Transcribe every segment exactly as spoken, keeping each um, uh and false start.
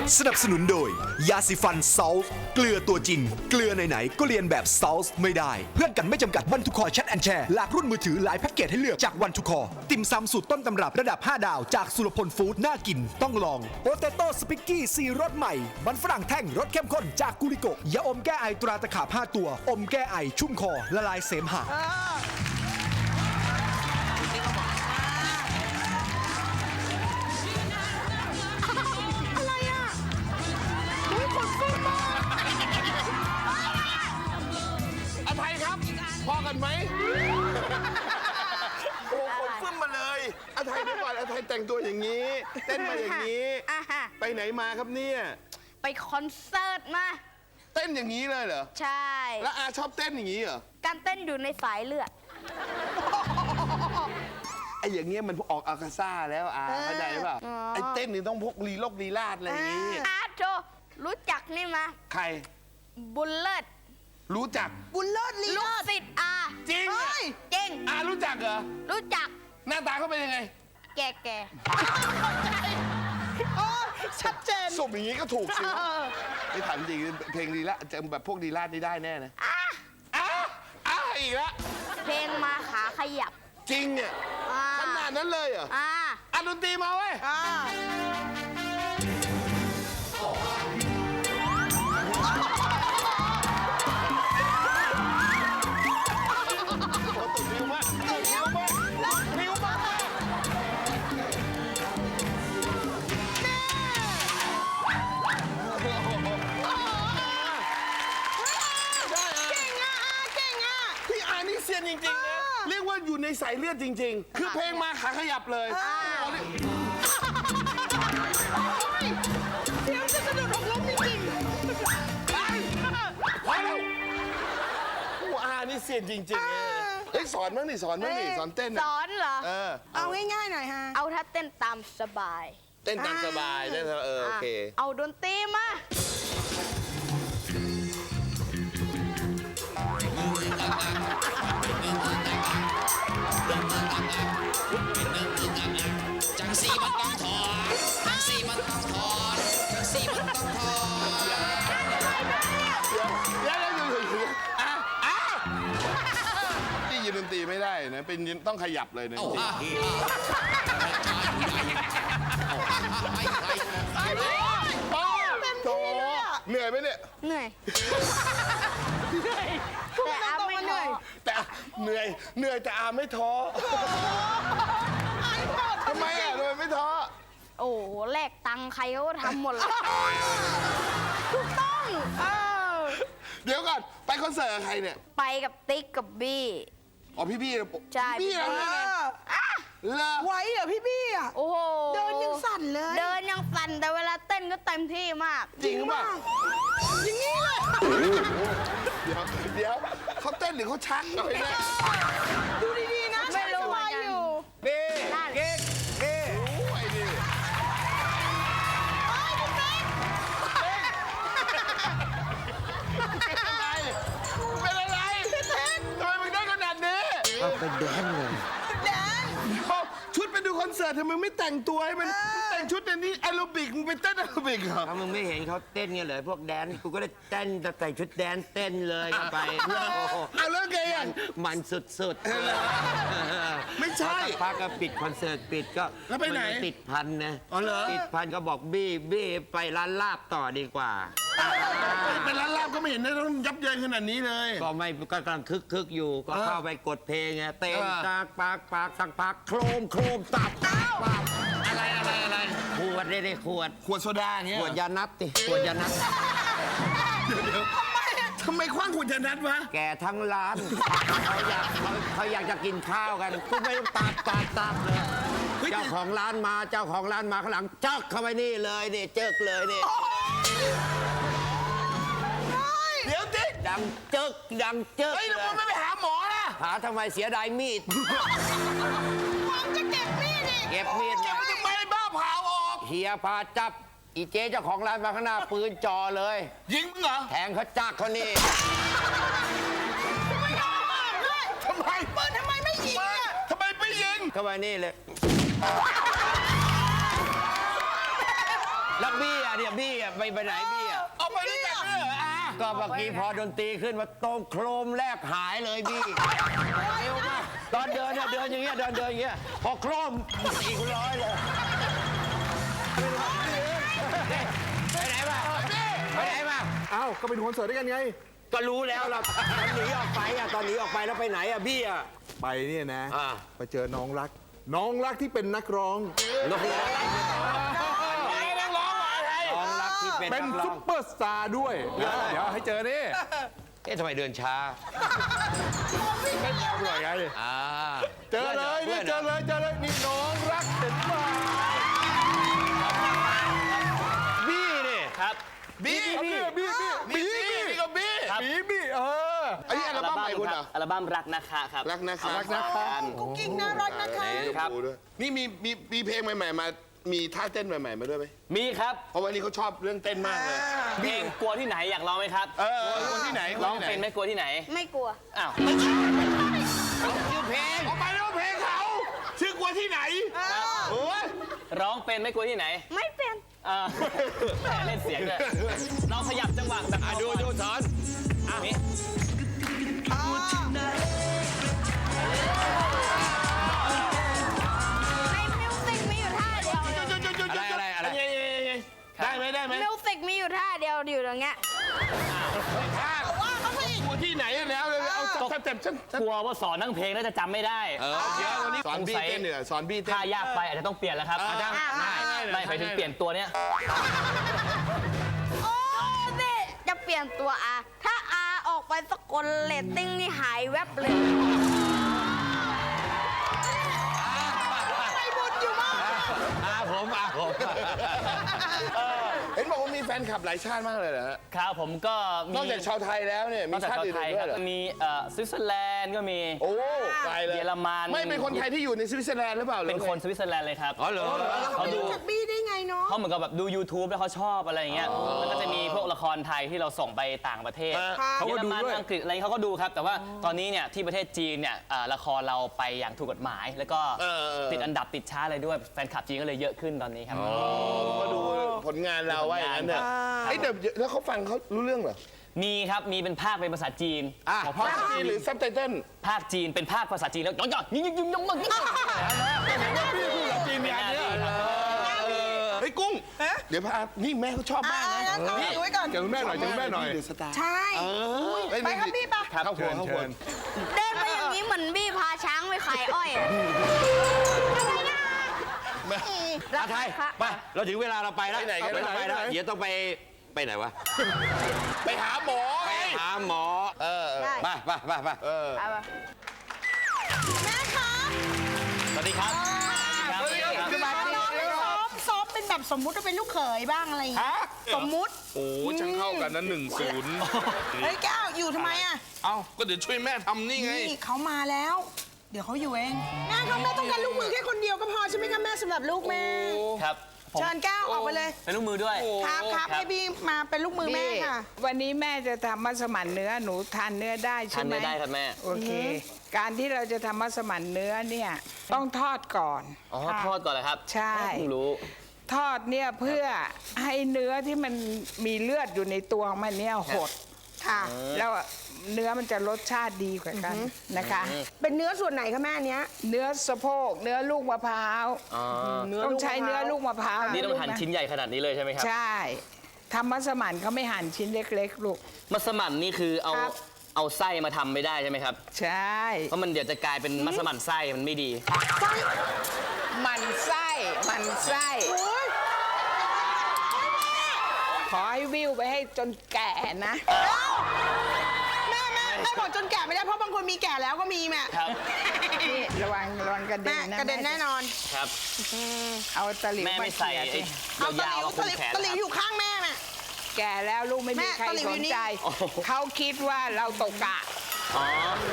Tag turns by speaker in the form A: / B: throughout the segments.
A: สนับสนุนโดยยาสีฟันซอลส์เกลือตัวจริง เกลือไหนๆก็เรียนแบบซอลส์ไม่ได้ เพื่อนกันไม่จำกัดวันทุกคอแชทแอนแชร์หลากรุ่นมือถือหลายแพ็กเกจให้เลือกจากวันทุกคอติ่มซำสูตรต้นตำรับระดับห้าดาวจากสุรพลฟู้ดน่ากินต้องลองโปเตโต้สปิกกี้ซีรสใหม่มันฝรั่งแท่งรสเข้มข้นจากกุลิโกยาอมแก้ไอตราตะขาบห้าตัวอมแก้ไอชุ่มคอละลายเสมหะ
B: อาไทยครับพอกันไหมโอ้คนฟึ่มมาเลยอาไทยเมื่อก่อนอาไทยแต่งตัวอย่างนี้ เต้นมาอย่างนี้ ไปไหนมาครับเนี่ย
C: ไปคอนเสิร์ตมา
B: เต้นอย่างนี้เลยเหรอ
C: ใช่
B: แล้วอาชอบเต้นอย่างนี้เหรอ
C: การเต้นอยู่ในสายเลือด
B: ไอ้อย่างเงี้ยมันออกอาคาซ่าแล้วอาเข้าใจป่ะไอ้เต้นนี่ต้องพกลีลกลีลาดอะไรอย่างงี้
C: อาร์ตโจรู้จักนี่มา
B: ใคร
C: บุลเลิศ
B: รู้จัก
D: บุญเลิศลี
C: ลูก
D: เลิศ
C: ศิษย์อา
B: จริงอะ
C: เก่ง
B: อารู้จักเหรอ
C: รู้จัก
B: หน้าตาเขาเป็นยังไง
C: แก่แก่
D: โอ้ชัดเจน
B: สมอย่างงี้ก็ถูกสิไม่ถามจริงเพลงลีลาจะแบบพวกลีลาดนี่ได้แน่นะอ้าอ้าอีกแล้ว
C: เพลงมาขาขยับ
B: จริงเนี่ย
C: อ่า
B: ขนาดนั้นเลยเหรอ
C: อ่า
B: อ่ะดนตรีมาเว้ย
D: อ่า
B: ติดนิ้วมากติดนิ้วมากนิ้วมากเก่งอ่ะเก่งอ่ะพี่อานี่เซียนจริงๆนะเรียกว่าอยู่ในสายเลือดจริงๆ คือเพลงมาขาขยับเลย
D: เดี๋ยวจะกระโดดออกล้มจริง
B: พอแล้วผู้อานี่เซียนจริงๆเลยเฮ้ยสอนบ้างดิสอนบ้างดิสอนเต้น
C: ส
B: นะ
C: อนเหรอ
B: เออ
D: ๆเอาง่ายๆหน่อยฮะ
C: เอาถ้าเต้นตามสบาย
B: เต้นตามสบายได้เออโอเค
C: ะเอาดนตรีมา
E: จังสีมันต้องถอนจังสีมันต้องถอนจังสีมันต้องถอน
B: เดี๋ยวเดี๋ยวเดี๋ยวเดี๋ยวอ่ะอ่ะนี่ยืนดนตรีไม่ได้นะเป็นยืนต้องขยับเลยนะ
E: เอา
B: จริง
E: ฮ่าฮ่า
B: ป้าโถเหนื่อยไหมเนี่ย
C: เหนื่อยแต่อาไม่เหนื่อย
B: แต่เหนื่อยเหนื่อยแต่อาไม่ท้อทำไมอ่ะทำไมไม่ท้อ
C: โอ้โหแลกตังค์ใครเขาก็ทำหมดเลยถูกต้องเออ
B: เดี๋ยวก่อนไปคอนเสิร์ตกับใครเนี่ย
C: ไปกับติ๊กกับบี้
B: อ๋อพี่พี่
C: ใช่
B: พี่เรา
D: เอ
B: เนี่ยนะ
D: อ
B: เลอ
D: ไหวเหรอพี่บี้อ่ะ
C: โอ้โห
D: เดินยังสั่นเลย
C: เดินยังสั่นแต่เวลาเต้นก็เต็มที่มาก
B: จริงป่ะ
D: อย่างนี้เลย
B: เดี๋ยวเดี๋ยวเขาเต้นหรือเขาชักเอาไปเนี่ย
D: ดูดีๆนะ
C: ไม่รู้
D: ส
C: เหมื
D: บา
C: อย นกัน
D: อยู่
B: นี่
C: นั่น
B: เก๊กเก๊กโอ้ยนี่เป็นอะไรเป็นอะไรทำไมมึงได้ขนาดนี้
F: เป็นแดนเลย
D: แดน
B: ชุดไปดูคอนเสิร์ตทำไมไม่แต่งตัวให้มันแต่งชุดในนี้แอโรบิกมึงไปเต้นแอโรบิกเหรอ
F: ถ้ามึงไม่เห็นเขาเต้นกันเลยพวกแดนกูก็เลยเต้นแต่ใส่ชุดแดนเต้นเลยกันไปโอ้โห
B: เอาแล้วไงอ่ะ
F: มันสุดๆ
B: ไม่ใช่
F: พอสักพักก็ปิดคอนเสิร์ตปิดก็
B: แล้วไปไหน
F: มัติดพันนะ
B: อ๋อเหรอ
F: ติดพันก็บอกบี้บี้ไปร้านลาบต่อดีกว่า
B: เป็นร้านลาบก็ไม่เห็นได้ต้องยับเยินขนาดนี้เลย
F: ก็ไม่ก็กำลังคึกคึกอยู่ก็เข้าไปกดเพลงไงเต้น
B: เออ
F: ปากปากปากสักพักโครมโครมตับตับตับ
B: อะไรอะไรอะไร
F: ขวดได้ได้ขวด
B: ขวดโซดาเนี่ย
F: ขวดยานัดติขวดยานัด
B: ทำไมคว้างขวดยานัดวะ
F: แกทั้งร้านเขาอยากเขาเขาอยากจะกินข้าวกันกูไม่ต้องตัดตัดตัดเลยเจ้าของร้านมาเจ้าของร้านมาข้างหลังจักเข้าไปนี่เลยนี่เจิกเลยนี่
B: เดี๋ยวติ๊ก
F: ดังเจิกดังเจิก
B: เฮ้ย
F: เล
B: แล้วมึง
F: ย
B: ไม่ไปหาหมอล่ะ
F: หาทำไมเสียดายมีด
D: ผมจะเก็บมีดอีก
F: เก็บมีด
B: เก็บ
F: เนี่ย
B: ไว้ทำไมบ้าเผาออก
F: เฮียพาจับอีเจ๊เจ้าของร้านมาข้างหน้าปืนจ่อเลย
B: ยิงมึงเหรอ
F: แทงเขาจักเขานี่
D: ไม่ยอมมาด้วย
B: ทำไม
D: ปืนทำไมไม่ยิงอ่ะ
B: ทำไมไปยิง
F: เข้าไปนี่เลย
B: เ
F: แล้วบี้อ่ะเนี่ยบี้อ่ะไปไปไหนบี้อ่ะ
B: เอาไปด้วยกันด้วยเหรออา
F: ก็เมื่อกี้พอดนตรีขึ้นมาตรงโครมแรกหายเลยบี้เร็วมากตอนเดินเนี่ยเดินอย่างเงี้ยเดินเดินอย่างเงี้ยพอโครมสี่คูณร้อยเลยไปไหนมาไปไหนมา
G: เอ้าก็ไปดูคอนเสิร์ตด้วยกันไง
F: ก็รู้แล้วเราตอนหนีออกไปอ่ะตอนหนีออกไปแล้วไปไหนอ่ะบี้อ่ะ
G: ไปเนี่ยนะ
F: อ่า
G: ไปเจอน้องรัก น้องรักที่เป็นนักร้อง
F: น้องรักน้องรักที่เป็น
G: เป็น
F: นักร้อ
G: ซุ
F: ง
G: ปเปอร์สตาร์ด้วย เดี๋ยวเดี๋ยวให้เจอนี่
F: เอ๊ะทำไมเดินช้า
G: ไม่แอวหน่อยไง
F: อ่า
G: เจอเลยนี่เจอเลยเจอเลยนี่น้องรักเห็นป่ะ
F: บี้นี่
H: ครับ
B: บี้
G: บี้บี้บี้บี้
B: บี้บี้บี้กับบี้
G: บี้บี้เออ
B: อันนี้อัลบั้มใหม่คุณเหรอ
H: อัลบั้มรักนะคะครับ
B: รักนะคะ
G: รักนะคะ
D: กุ๊กกิ๊กน่ารักนะคะ
H: ครับ
B: นี่มีมีมีเพลงใหม่ ๆ มา มีท่าเต้นใหม่ๆมาด้วยไหม
H: มีครับ
B: เพราะว่านี่เขาชอบเรื่องเต้นมากเลย
H: เพลงกลัวที่ไหนอยากร้องไหมครับ
B: เออเออคนที่ไหนค
H: ร้อง
B: ที่ไห
H: เป็นไหมกลัวที่ไหน
C: ไม่กลัว
H: อ้าว
B: ชื่อเพลงออกไปแล้วเพลงเขาชื่อกลัวที่ไหนโอ้ย
H: ร้องเป็นไหมกลัวที่ไหน
C: ไม่เป็น
H: เออเล่นเสียงด้วยลองขยับจังหวะแบบ
F: อ่ะดูดูสอน
H: นี่
C: ในมิวสิกมีอยู่ท่าเดียวเลย
F: อะไรอะไรอะไร
B: ได้ไหมได้ไหม
C: มิวสิกมีอยู่ท่าเดียวอยู่ตรงเนี้ย
B: ว่าเขาสิกลัวที่ไหนแล้วเอาสเต็ปฉัน
H: กลัวว่าสอนทั้งเพลงแล้วจะจำไม่ได้
B: เดี๋ยววันนี้สอนบี้เต้นเหนือสอนบี้เต้น
H: ถ้ายากไปอาจจะต้องเปลี่ยนแล้วครับอาจจะไม่ไม่ไปถึงเปลี่ยนตัวเนี้ย
C: โอ้นี่จะเปลี่ยนตัวอาถ้าอาออกไปสกลเรตติ้งนี่หายแวบเลย
F: อาผมอาผม
B: เห็นบอกว่ามีแฟนคลับหลายชาติมากเลยเหรอฮะ
H: ครับผมก็มี
B: นอกจากชาวไทยแล้วเนี่ย
H: น
B: มี
H: อกจาก
B: ชาติ
H: ชาว
B: อื่น
H: ไทย
B: ๆด้
H: คว รั
B: ย
H: บ
B: เหรอ
H: มีเอ่อสวิตเซอร์แลนด์ก็มี
B: โอ้ไกลเลย
H: เยอรมัน
B: ไม่เป็นคนไทยที่อยู่ในสวิตเซอร์แลนด์หรือเปล่า
H: เป็นคนสวิตเซอร์แลนด์เลยครับ
F: อ๋อเหรอ
H: เขาดู
D: จากบี้ได้ไงเนาะ
H: เขาเหมือนกับแบบดู YouTube แล้วเขาชอบอะไรอย่างเงี้ยแล้วก็จะมีพวกละครไทยที่เราส่งไปต่างประเทศ
G: เขา
H: เย
G: ก็
H: อร
G: ดู
H: มัน
G: ด้วย
H: อังกฤษอะไรเขาก็ดูครับ แต่ว่าตอนนี้เนี่ยที่ประเทศจีนเนี่ยเอ่อละครเราไปอย่างถูกกฎหมาย แล้วก็ติดอันดับติดชาร์ตอะไรด้วยแฟนคลับจีนก็เลยเยอะขึ้นตอนนี้ครับ
B: ก็ดูผลงานเราว่าอย่างนั้นเนี่ยไอ้ยเดี๋ยวแล้วเขาฟังเขารู้เรื่องเหรอ
H: มีครับมีเป็นภาคเป็นภาษาจีน
B: ของพ่อจีนหรือซับไตเติ้ล
H: ภาคจีนเป็นภาคภาษาจีนแล้วย้อนๆยิ่งยิ่งยิ่งยิ่งยิ่งยิ่ง
B: จีนมีอันเนี้ยเฮ้ยกุ้ง เดี๋ยวพานี่แม่เขาชอบมากนะ
D: เอาถือไว้ก่อน
G: เจอคุณแม่หน่อยเจอคุณแม่หน่อย
B: เดือดสตาร์
D: ใช่ไปครับพี่ปะ
B: เข้าหั
G: เชิ
B: ว
G: ญ
B: เข้าหั
G: เชิ
B: ว
G: ญ
C: เดินไปอย่างนี้เหมือนบี้พาช้างไปขายอ้อยอะอะไรนะ
F: อาไทยไปเราถึงเวลาเราไปแล้ว
B: ไปไหนกัน
F: เราไปแล้วเดี๋ยวต้องไปไปไหนวะ
B: ไปหาหมอ
F: ไปหาหมอ
B: เออ
C: ได้
F: ไปไปไปไป
B: เออ
C: เอาไป
D: แม่คะ
H: สวัสดีครับสวัสดีครับ
D: ซ้อมซ้อมเป็นแบบสมมุติว่าเป็นลูกเขยบ้างอะไรอย่างเงี้ยสมมุติ
B: โอ้ช่างเข้ากันนะหนึ่งศูนย์
D: เฮ้ยแก้วอยู่ทำไมอ่ะ
B: เอ้าก็เดี๋ยวช่วยแม่ทำนี่ไง
D: นี่เขามาแล้ว เดี๋ยวเขาอยู่เองแม่ครับแม่ต้องการลูกมือแค่คนเดียวก็พอใช่ไหมคะแม่สำหรับลูกแม่
H: ครับผม
D: เชิญแก้วออกไปเลย
H: เป็นลูกมือด้วย
D: ครับครับให้พี่มาเป็นลูกมือแม่ค่ะ
I: วันนี้แม่จะทำมัสมั่นเนื้อหนูทานเนื้อได้
H: ทา
I: ใช่
H: น
I: ไหม
H: เนื้อได้ครับแม่
I: โอเค การที่เราจะทำมัสมั่นเนื้อเนี่ยต้องทอดก่อน
H: อ๋อทอดก่อนเลยครับ
I: ใช่
H: เพิ่งรู้
I: ทอดเนี่ยเพื่อให้เนื้อที่มันมีเลือดอยู่ในตัวของมันเนี่ยหด
D: ค่ะ
I: แล้วเนื้อมันจะรสชาติดีกว่ากันนะคะ
D: เป็นเนื้อส่วนไหนคะแม่อันเนี้ย
I: เนื้อสะโพกเนื้อลูกมะพร้าว
H: อ๋อ
I: ต้องใช้เนื้อลูกมะพร้าว
H: นี่ต้องหั่น
I: ลูกะ
H: ชิ้นใหญ่ขนาดนี้เลยใช่ไหมครับ
I: ใช่ทำมัสมั่นเขาไม่หั่นชิ้นเล็กๆลูก
H: มัสมั่นนี่คือเอา
I: ครับ
H: เอาไส้มาทำไม่ได้ใช่ไหมครับ
I: ใช่
H: เพราะมันเดี๋ยวจะกลายเป็นมัสมั่นไส้มันไม่ดี
I: มันไส้มันไส้ ขอให้วิวไปให้จนแก่นะ
D: แม่แม่แม่บอกจนแก่ไม่ได้เพราะบางคนมีแก่แล้วก็มีแม่
H: ครับ
I: นี่ระวังระวังกระเด็
D: แม่
I: นนะ
D: กระเด็นแน่นอน
H: ครับ
I: เอาตะหลิว
H: แม่
I: มา
H: ไม่ใส่
I: เขี่ย
H: ไอ้
I: สิ
H: ยาวๆมา
D: ตะ
H: คุ
D: ห
H: ม
D: ลิว
H: แขน
D: ตะหลิวอยู่ข้างแม่แม่
I: แก่แล้วลูกไม่มี
D: แม่
I: ใคร
D: ตะหลิว
I: ส
D: อยู่
I: น
D: นี่
I: ใจ
H: โอ้โห
I: เขาคิดว่าเราตกกะ
H: อ๋อ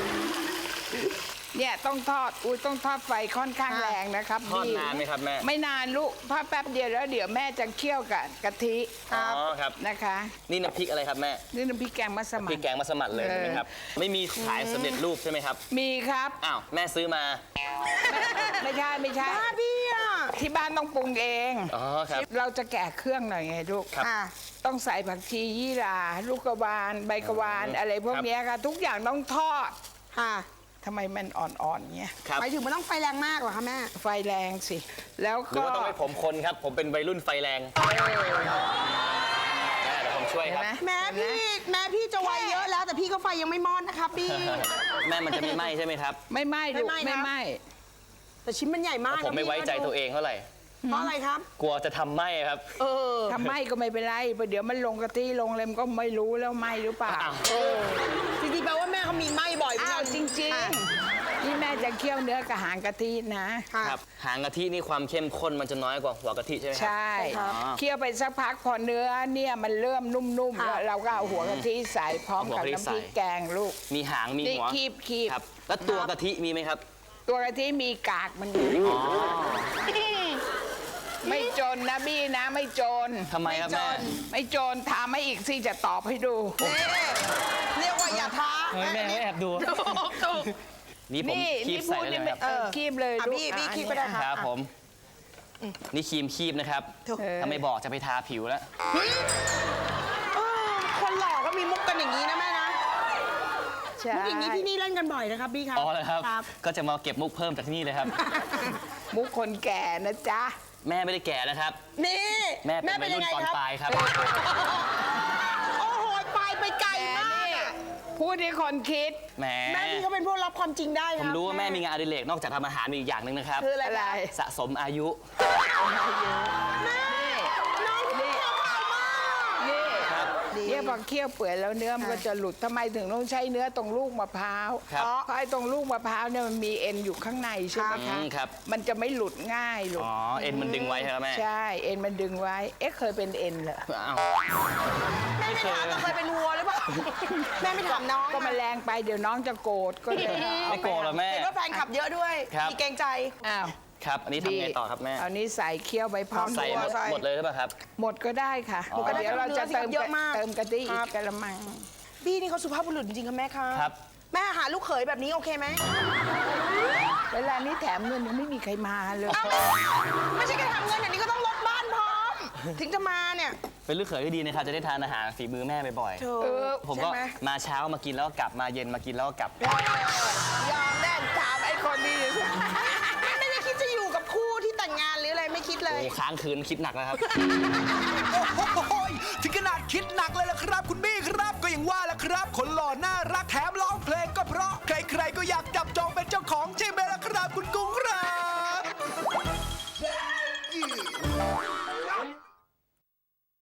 I: เนี่ยต้องทอดอุ้ยต้องทอดไฟค่อนข้างแรงนะครับ
H: ทอด
I: พี่
H: นานไหมครับแม่
I: ไม่นานลูกทอดแป๊บเดียวแล้วเดี๋ยวแม่จะเคี่ยวกับกะทิ
H: อ๋อครับ
I: นะคะ
H: นี่น้ำพริกอะไรครับแม่
I: นี่น้ำพริกแกงมัส
H: พริ
I: มั่
H: ก
I: น
H: แกงมัสมั่นเลยใช่ไหมครับ ไม่มีขายสำเร็จรูปใช่ไหมครับ
I: มีครับ
H: อ้าวแม่ซื้อมา
I: ไม่ใช่ไม่ใช่
D: บ้าพี่อ่ะ
I: แพที่บ้านต้องปรุงเอง
H: อ๋อครับ
I: เราจะแกะเครื่องหน่อยไงลูก
H: ครับ
I: อ่ะต้องใส่ผักชียี่หร่าลูกกระวานใบกระวานอะไรพวกเนี้ยค่ะ ทุกอย่างต้องทอด
D: ค่ะ
I: ทำไมมันอ่อนๆเงี้ย
H: ครับ
D: หมายถึงมันต้องไฟแรงมากเหรอคะแม่
I: ไฟแรงสิ แล้ว
H: หรือ
I: ก็
H: ว่าต้องให้ผมคนครับ ผมเป็นวัยรุ่นไฟแรงแม่เดี๋ยวผมช่วย
I: เห็
H: คน รับ
I: ไหม
D: แม่พี่แม่พี่จะวัยเยอะแล้ว แต่พี่ก็ไฟยังไม่มอดนะคะพี่
H: แม่มันจะไม่ไหม้ใช่ไหมครับ
I: ไม่ไหม้ลูก
D: ไม่ไหม้
I: ไม่
D: นะ
I: ไหม้
D: แต่ชิ้นมันใหญ่มาก
H: ผมไม่ไว้ใจตัวเองเท่าไหร่
D: เพราะอะไรครับ
H: กลัวจะทำไหม้ครับ
D: เออ
I: ทำไหม้ก็ไม่เป็นไรเพราะเดี๋ยวมันลงกะทิลงอะไรมันก็ไม่รู้แล้วไหม้หรือเปล่า
H: อ้าว
I: เออ
D: จริงๆแปลว่าแม่เขามีไหม้บ่อยเหมือน
I: อ้า
D: กั
I: วน จริงๆนี่แม่จะเคี่ยวเนื้อกับหางกะทินะ
D: ค่ะ
H: ครับหางกะทินี่ความเข้มข้นมันจะน้อยกว่าหัวกะทิใช่ไหมครั
I: ใช่
D: ครับ
I: เคี่ยวไปสักพักพอเนื้อเนี่ยมันเริ่มนุ่มๆ
D: ค่ะ
I: แล้วเราก็เอาหัวกะทิใส่พร้อมกับ
H: เอาหัวกะทิ
I: น้ำพริก
H: ใส่
I: แกงลูก
H: มีหางมี
I: นี่
H: หัว
I: คีบคีบ
H: ครับ แล้วตัวกะทิมีไหมครับ
I: ตัวกะทิมีกากมันอยู่
H: อ๋อ
I: ไม่จนนะบี้นะไม่จน
H: ทำไมครับแม่
I: ไม่จนถามมาอีกสิจะตอบให้ดู
D: นี่เรียกว่าอย่าท้า
H: เฮ้ยแม่ไม่แอบดู
D: ถูก
H: นี่ผม
I: นี่
H: คี
I: นี่
H: บ
I: พู
H: ใส่
I: ด
H: ได้
I: นี่
H: เลยไหม
I: ไม่
H: ครับ
I: เออคีบเลย
D: อ่ะ
I: ลูก
D: พี่พี่
I: อ่ะ
D: คีบก็ได้
I: เนี่ย
H: ครับผม นี่ครีมคีบนะครับ
I: เออ
H: ถ้าไม่บอกจะไปทาผิวแล้ว
D: เออคนหล่อก็มีมุกกันอย่างนี้นะแม่นะ
I: ใช่
D: มุกอย่างนี้ที่นี่เล่นกันบ่อยนะครับพี่ครับ
H: อ๋อเลยครับ
D: ครับ
H: ก็จะมาเก็บมุกเพิ่มจากที่นี่เลยครับ
I: มุกคนแก่นะจ๊ะ
H: แม่ไม่ได้แก่นะครับ
D: นี่
H: แม่เป็นวัยรุ่นตอนปลายครับ
D: โอ้โหปลายไปไกลมากอะ
I: พูดให้คนคิด
H: แหม
D: แม่พี่เขาเป็นพวกรับความจริงได้
H: ผม
D: นะ
H: รู้ว่าแม่มีงานอดิเรกนอกจากทำอาหารมีอีกอย่างหนึ่งนะครับ
D: คืออะไร
I: อะไร
H: สะสมอายุ
D: น้องพี่เขาเมามาก
I: นี่
H: ครับ
I: เนี่ยพอเคี่ยวเปื่อยแล้วเนื้อมันก็จะหลุดทำไมถึงต้องใช้เนื้อตรงลูกมะพร้าว
H: ครับ
I: เพราะไอ้ตรงลูกมะพร้าวเนี่ยมันมีเอ็นอยู่ข้างในใช่ไหม
H: อื
I: คะ
H: มครับ
I: มันจะไม่หลุดง่ายลูก
H: อ๋อ เอ็นมันดึงไว้ใช่ไหมแม่
I: ใช่เอ็นมันดึงไว้ เอ๊ะเคยเป็นเอ็นเหรอ
H: อ้าว
D: แม่ไม่ถามว่าเคยเป็นวัวหรือเปล่าแม่ไม่ถามน้อง
I: ก็มันแรงไปเดี๋ยวน้องจะโกรธก็เลย
H: ไม่โกรธหรอแม่
D: เห็นว่าแฟนขับเยอะด้วย
H: ครับ
D: มีเกรงใจ
I: อ้าว
H: ครับ อันนี้ทำไงต่อครับแม่
I: เอานี้ใส่เคี่ยวไปพร้อม
H: ใส่หมด
D: ใส่
H: หมดเลยหรือเปล่าครับ
I: หมดก็ได้ค่ะ
H: อ๋อ
I: เดี๋ยวเราจะเติม
D: เยอะมาก
I: เติมกะทิอี
D: ครั
I: ก
D: บ
I: กระมัง
D: พี่นี่เขาสุภาพบุรุษจริงๆค่ะแม่คะ
H: ครับ
D: แม่หาลูกเขยแบบนี้โอเคไหม
I: เวลานี้แถมเงินยังไม่มีใครมาเลย
D: เอ้าไม่ใช่แค่ทำเงินอย่างนี้ก็ต้องลดบ้านพร้อม ถึงจะมาเนี่ย
H: เป็นลูกเขยที่ดีนะครับ จะได้ทานอาหารฝีมือแม่บ่อย
D: เธอ
I: เออ
H: ๆผมก็
D: ใช่ไหม
H: มาเช้ามากินแล้วก็กลับมาเย็นมากินแล้วก็กลับ
I: ยอมแน่ถามไอ้คนนี้
D: ไม่ได้คิดจะอยู่กับคู่ที่แต่งงานหรืออะไรไม่คิดเลย
H: โอ้ค้างคืนคิดหนักแล้วครับ
A: โอ้โหถึงขนาดคิดหนักเลยล่ะครับ คุณบี้ครับ ก็อย่างว่าล่ะครับ คนหล่อน่ารักแถมร้องเพลงก็เพราะ ใครๆก็อยากจับจองเป็นเจ้าของใช่ไหม